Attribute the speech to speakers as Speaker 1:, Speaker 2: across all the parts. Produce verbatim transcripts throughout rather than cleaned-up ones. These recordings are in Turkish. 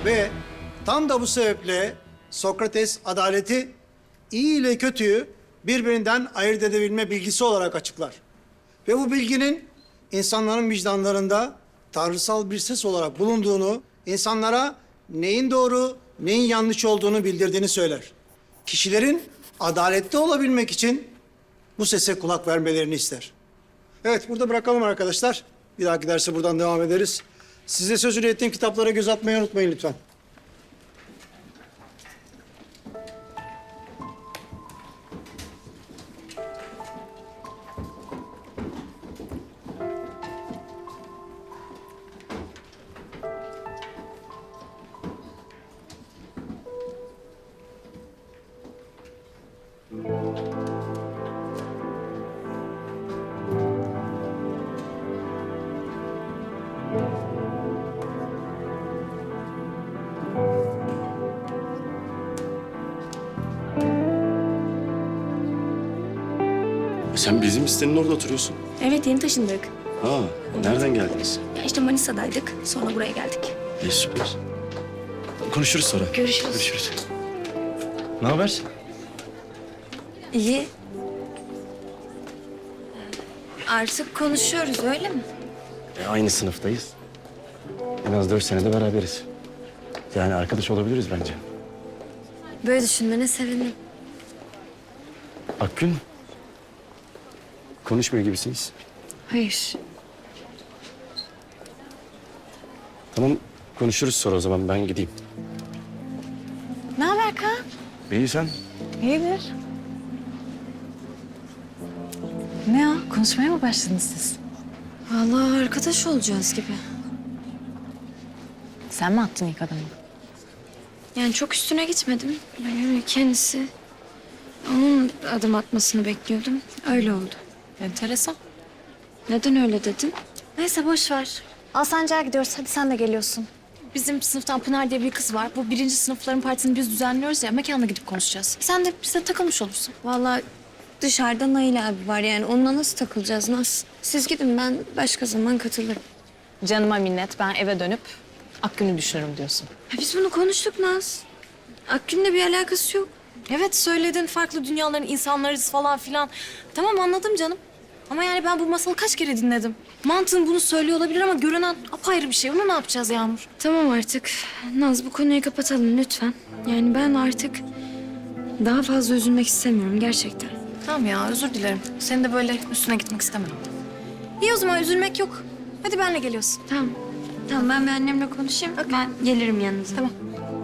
Speaker 1: Ve tam da bu sebeple Sokrates adaleti iyi ile kötüyü birbirinden ayırt edebilme bilgisi olarak açıklar. Ve bu bilginin insanların vicdanlarında tanrısal bir ses olarak bulunduğunu, insanlara neyin doğru, neyin yanlış olduğunu bildirdiğini söyler. Kişilerin adaletli olabilmek için bu sese kulak vermelerini ister. Evet, burada bırakalım arkadaşlar. Bir dahaki derse buradan devam ederiz. Size sözünü ettiğim kitaplara göz atmayı unutmayın lütfen.
Speaker 2: Sen bizim sitenin orada oturuyorsun.
Speaker 3: Evet, yeni taşındık.
Speaker 2: Ha, nereden geldiniz?
Speaker 3: Ya işte Manisa'daydık, sonra buraya geldik.
Speaker 2: İyi, süper. Konuşuruz sonra.
Speaker 3: Görüşürüz.
Speaker 2: Görüşürüz. Ne haber?
Speaker 3: İyi. Artık konuşuyoruz, öyle mi?
Speaker 2: E, aynı sınıftayız. En az dört senede beraberiz. Yani arkadaş olabiliriz bence.
Speaker 3: Böyle düşünmene sevindim.
Speaker 2: Akgün, konuşmuyor gibisiniz.
Speaker 3: Hayır.
Speaker 2: Tamam, konuşuruz sonra o zaman. Ben gideyim.
Speaker 4: Ne haber Kaan?
Speaker 2: İyi, sen?
Speaker 4: İyidir. Ne o? Konuşmaya mı başladınız siz?
Speaker 3: Vallahi arkadaş olacağız gibi.
Speaker 4: Sen mi attın ilk adımı?
Speaker 3: Yani çok üstüne gitmedim. Yani kendisi... Onun adım atmasını bekliyordum. Öyle oldu.
Speaker 4: Enteresan.
Speaker 3: Neden öyle dedin?
Speaker 4: Neyse boş ver. Alsancak'a gidiyoruz. Hadi sen de geliyorsun. Bizim sınıftan Pınar diye bir kız var. Bu birinci sınıfların partisini biz düzenliyoruz ya. Mekanına gidip konuşacağız. Sen de bize takılmış olursun.
Speaker 3: Vallahi dışarıda Nail abi var yani. Onunla nasıl takılacağız Naz? Siz gidin, ben başka zaman katılırım.
Speaker 4: Canıma minnet. Ben eve dönüp Akgün'ü düşünürüm diyorsun.
Speaker 3: Ya biz bunu konuştuk Naz. Akgün'le bir alakası yok.
Speaker 4: Evet söyledin. Farklı dünyaların insanlarız falan filan. Tamam anladım canım. Ama yani ben bu masalı kaç kere dinledim. Mantığın bunu söylüyor olabilir ama görünen apayrı bir şey. Onu ne yapacağız Yağmur?
Speaker 3: Tamam artık. Naz, bu konuyu kapatalım lütfen. Yani ben artık daha fazla üzülmek istemiyorum gerçekten.
Speaker 4: Tamam ya özür dilerim. Senin de böyle üstüne gitmek istemem. İyi o zaman üzülmek yok. Hadi benle geliyorsun.
Speaker 3: Tamam. Tamam, ben bir annemle konuşayım. Ben gelirim yanınıza.
Speaker 4: Tamam.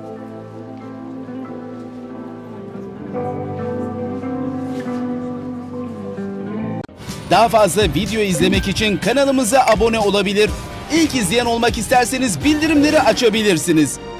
Speaker 5: Daha fazla video izlemek için kanalımıza abone olabilir. İlk izleyen olmak isterseniz bildirimleri açabilirsiniz.